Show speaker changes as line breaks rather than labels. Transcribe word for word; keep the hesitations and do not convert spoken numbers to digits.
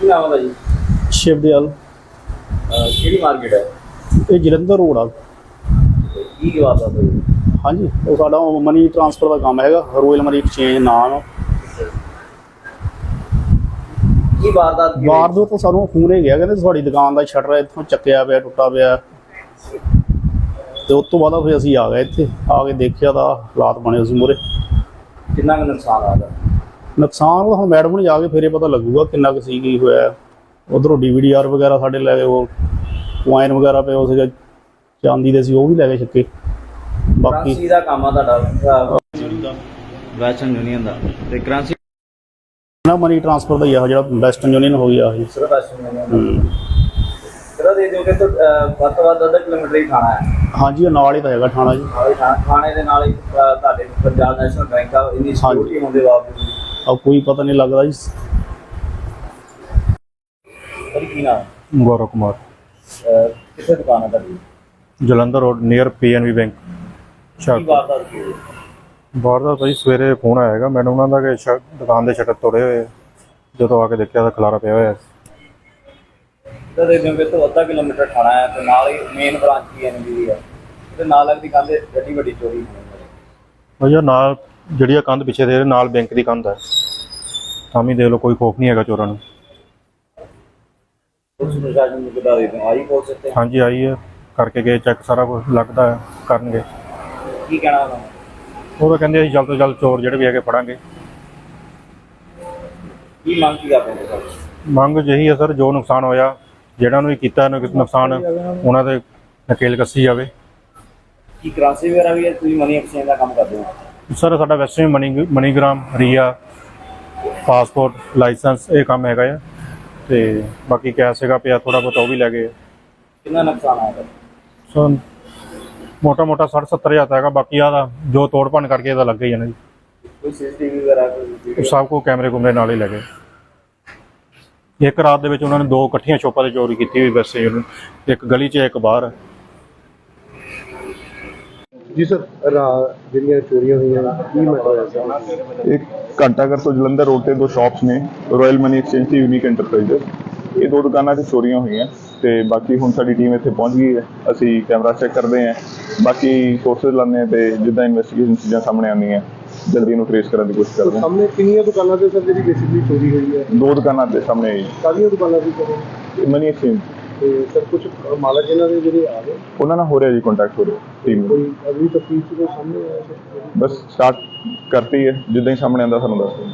नाम है जी?
शिवदयाल।
ਕਿਹੜੀ ਮਾਰਕੀਟ ਹੈ?
ये जलंधर रोड आ।
ਕੀ ਕੀ ਬਾਤ ਹੈ?
हाँ जी, वो साडा मनी ट्रांसफर का काम हैगा, रॉयल मनी एक्सचेंज नाम।
ਕੀ ਵਾਰਦਾਤ ਕੀ ਹੋਈ?
वारदात तो सानू फोन ही गया, कहते तुहाडी दुकान का शटर इत्थों चक्या पिया, टुटा पिया। तो उस तो बाद फिर असीं आ गए इत्थे, आके देखिया तां हालात बने उस मूहरे।
ਕਿੰਨਾ ਕੁ ਨੁਕਸਾਨ ਆ ਗਿਆ?
नुकसान तो हम मैडम ने जाके फिर पता लगूगा किन्ना कुछ की होया। उधरों डी वी डी आर वगैरह साढ़े लै गए, वो वाइन वगैरह पे उस चांदी दे सी वो भी लै गए छक्के। बाकी
ਕਰੰਸੀ ਦਾ ਕੰਮ ਆ ਤੁਹਾਡਾ? ਵੈਸਟਰਨ ਯੂਨੀਅਨ ਦਾ। ਤੇ ਕਰੰਸੀ
ना मनी ट्रांसफर का ही है जो वैसटर्न यूनियन हो गया है।
ਸਿਰਫ ਵੈਸਟਰਨ ਯੂਨੀਅਨ ਦਾ ਦੇ ਦਿਓ ਕਿ ਤੋਂ ਵੱਧ ਤੋਂ ਵੱਧ ਅੱਧਾ ਕਿਲੋਮੀਟਰ ਹੀ ਥਾਣਾ ਹੈ।
हाँ जी, नाल ही तो हैगा थाना जी।
ਨਾਲੇ ਥਾਣਾ- ਥਾਣੇ ਦੇ ਨਾਲ ਹੀ ਅ, ਤੁਹਾਡੇ ਪੰਜਾਬ ਨੈਸ਼ਨਲ ਬੈਂਕ ਆ, ਇੰਨੀ ਸਿਕਿਉਰਿਟੀ ਹੋਣ ਦੇ ਬਾਵਜੂਦ
अब कोई पता नहीं लगता जी।
ਪਰ ਕੀ ਨਾਮ?
गौरव कुमार,
ਅ, ਕਿੱਥੇ ਦੁਕਾਨ ਹੈ ਤੁਹਾਡੀ?
Jalandhar road near P N B bank
ਕੀ
ਹੁਸ਼ਿਆਰਪੁਰ।
ਵਾਰਦਾਤ ਕੀ ਹੋਈ?
ਵਾਰਦਾਤ ਭਾਈ ਸਵੇਰੇ ਫੋਨ ਆਇਆ ਹੈਗਾ ਮੈਨੂੰ ਉਹਨਾਂ ਦਾ ਕਿ ਸ਼ ਦੁਕਾਨ ਦੇ ਸ਼ਟਰ ਤੋੜੇ ਹੋਏ ਆ। ਜਦੋਂ ਆ ਕੇ ਦੇਖਿਆ ਤਾਂ ਖਲਾਰਾ ਪਿਆ ਹੋਇਆ ਸੀ।
ਤਾਂ ਦੇ ਦਿਓ ਕਿ ਤੋਂ ਅੱਧਾ ਕਿਲੋਮੀਟਰ ਥਾਣਾ ਹੈ ਤੇ ਨਾਲ ਹੀ ਮੇਨ ਬ੍ਰਾਂਚ ਕੀ ਐਨ ਬੀ ਦੀ ਹੈ ਤੇ ਨਾਲ ਲੱਗਦੀ ਕੰਧ ਗੱਡੀ ਵੱਡੀ ਚੋਰੀ ਹੋਣੀ ਹੈ।
ਭਾਈ ਨਾਲ ਜਿਹੜੀ ਆ ਕੰਧ ਪਿੱਛੇ ਦੇ ਨਾਲ ਬੈਂਕ ਦੀ ਕੰਧ ਹੈ, ਤਾਂ ਵੀ ਦੇਖ ਲਓ ਕੋਈ ਖੌਫ ਨਹੀਂ ਹੈਗਾ ਚੋਰਾਂ ਨੂੰ।
ਪੁਲਿਸ ਪ੍ਰਸ਼ਾਸਨ ਨੂੰ ਬਤਾ ਦੇ ਦਿਓ, ਆਈ ਪੁਲਿਸ ਇੱਥੇ?
ਹਾਂਜੀ ਆਈ ਹੈ, ਕਰਕੇ ਗਏ ਚੈੱਕ, ਸਾਰਾ ਕੁਝ ਲੱਗਦਾ ਹੈ ਕਰਨਗੇ।
ਕੀ ਕਹਿਣਾ ਉਹਨਾਂ ਨੂੰ?
ਉਹ ਤਾਂ ਕਹਿੰਦੇ ਅਸੀਂ ਜਲਦ ਤੋਂ ਜਲਦ ਚੋਰ ਜਿਹੜੇ ਵੀ ਹੈਗੇ ਫੜਾਂਗੇ।
ਕੀ ਮੰਗ ਕੀ ਕਰਦੇ ਨੇ ਸਰ?
ਮੰਗ ਜਿਹੀ ਹੈ ਸਰ, ਜੋ ਨੁਕਸਾਨ ਹੋਇਆ ਜਿਹੜਾ ਨੂੰ ਵੀ ਕੀਤਾ ਇਹਨੂੰ ਨੁਕਸਾਨ ਉਹਨਾਂ ਦੇ ਨਕੇਲ ਕੱਸੀ ਜਾਵੇ।
ਕੀ ਕਰੰਸੀ ਵਗੈਰਾ ਵੀ ਹੈ? ਤੁਸੀਂ ਮਨੀ ਐਕਸਚੇਂਜ ਦਾ ਕੰਮ ਕਰਦੇ ਹੋ?
ਸਰ ਸਾਡਾ western money MoneyGram, Ria, passport, license ਇਹ ਕੰਮ ਹੈਗਾ ਆ। ਤੇ ਬਾਕੀ ਕੈਸ਼ ਹੈਗਾ ਪਿਆ ਥੋੜਾ ਬਹੁਤ, ਉਹ ਵੀ ਲੈ ਗਏ।
ਕਿੰਨਾ ਨੁਕਸਾਨ ਆਇਆ?
ਸੋ ਮੋਟਾ ਮੋਟਾ ਸੱਠ ਸੱਤਰ ਹਜ਼ਾਰ ਹੈਗਾ, ਬਾਕੀ ਆਦਾ ਜੋ ਤੋੜ ਭੰਨ ਕਰਕੇ ਇਹਦਾ ਲੱਗ ਹੀ ਜਾਣਾ ਜੀ।
ਕੋਈ ਸੀਸੀਟੀਵੀ ਵਗੈਰਾ ਕੋਈ
ਉਹ ਸਭ ਕੋ ਕੈਮਰੇ ਕੁਮਰੇ ਨਾਲ ਹੀ ਲੈ ਗਏ। ਇੱਕ ਰਾਤ ਦੇ ਵਿੱਚ ਉਹਨਾਂ ਨੇ ਦੋ ਇਕੱਠੀਆਂ ਸ਼ੋਪਾਂ ਤੇ ਚੋਰੀ ਕੀਤੀ ਹੋਈ, ਵੈਸੇ ਉਹਨੂੰ ਇੱਕ ਗਲੀ 'ਚ ਇੱਕ ਬਾਹਰ ਹੈ।
जी सर, ਜਿਹੜੀਆਂ ਚੋਰੀਆਂ ਹੋਈਆਂ ਕੀ ਮੈਟਰ ਹੋਇਆ ਸਰ?
एक घंटाघर तो जलंधर रोड ਤੇ ਦੋ ਸ਼ਾਪਸ ਨੇ, ਰਾਇਲ ਮਨੀ ਐਕਸਚੇਂਜ ਤੇ ਯੂਨੀਕ ਐਂਟਰਪ੍ਰਾਈਜ਼ਸ। ਇਹ ਦੋ ਦੁਕਾਨਾਂ 'ਤੇ ਚੋਰੀਆਂ ਹੋਈਆਂ ਤੇ ਬਾਕੀ ਹੁਣ ਸਾਡੀ ਟੀਮ ਇੱਥੇ ਪਹੁੰਚ ਗਈ ਹੈ। ਅਸੀਂ ਕੈਮਰਾ ਚੈੱਕ ਕਰਦੇ ਹਾਂ, ਬਾਕੀ ਸੋਰਸਿਸ ਲਾਉਂਦੇ ਹਾਂ ਤੇ ਜਿੱਦਾਂ ਇਨਵੈਸਟੀਗੇਸ਼ਨ ਚੀਜ਼ਾਂ ਸਾਹਮਣੇ ਆਉਂਦੀਆਂ ਜਲਦੀ ਇਹਨੂੰ ਟ੍ਰੇਸ ਕਰਨ ਦੀ ਕੋਸ਼ਿਸ਼ ਕਰਦੇ ਹਾਂ।
ਸਾਹਮਣੇ ਕਿੰਨੀਆਂ ਦੁਕਾਨਾਂ ਤੇ ਸਰ ਜਿਹੜੀ ਬੇਸਿਕਲੀ ਚੋਰੀ ਹੋਈ ਹੈ?
ਦੋ ਦੁਕਾਨਾਂ ਦੇ ਸਾਹਮਣੇ ਆਈ
ਕਾਹਦੀਆਂ ਦੁਕਾਨਾਂ ਦੀ ਸਰ?
Money exchange.
ਤੇ ਸਰ ਕੁਝ ਮਾਲਕ ਇਹਨਾਂ ਦੇ ਜਿਹੜੇ ਆ ਗਏ,
ਉਹਨਾਂ ਨਾਲ ਹੋ ਰਿਹਾ ਜੀ ਕੰਟੈਕਟ ਹੋ ਰਿਹਾ ਟੀਮ
ਕੋਈ ਅਗਲੀ ਤਫਤੀਸ਼ ਦੇ ਸਾਹਮਣੇ ਆਇਆ ਸਰ?
ਬਸ ਸਟਾਰਟ ਕਰਤੀ ਹੈ, ਜਿੱਦਾਂ ਹੀ ਸਾਹਮਣੇ ਆਉਂਦਾ ਸਾਨੂੰ ਦੱਸ ਦਿਓ।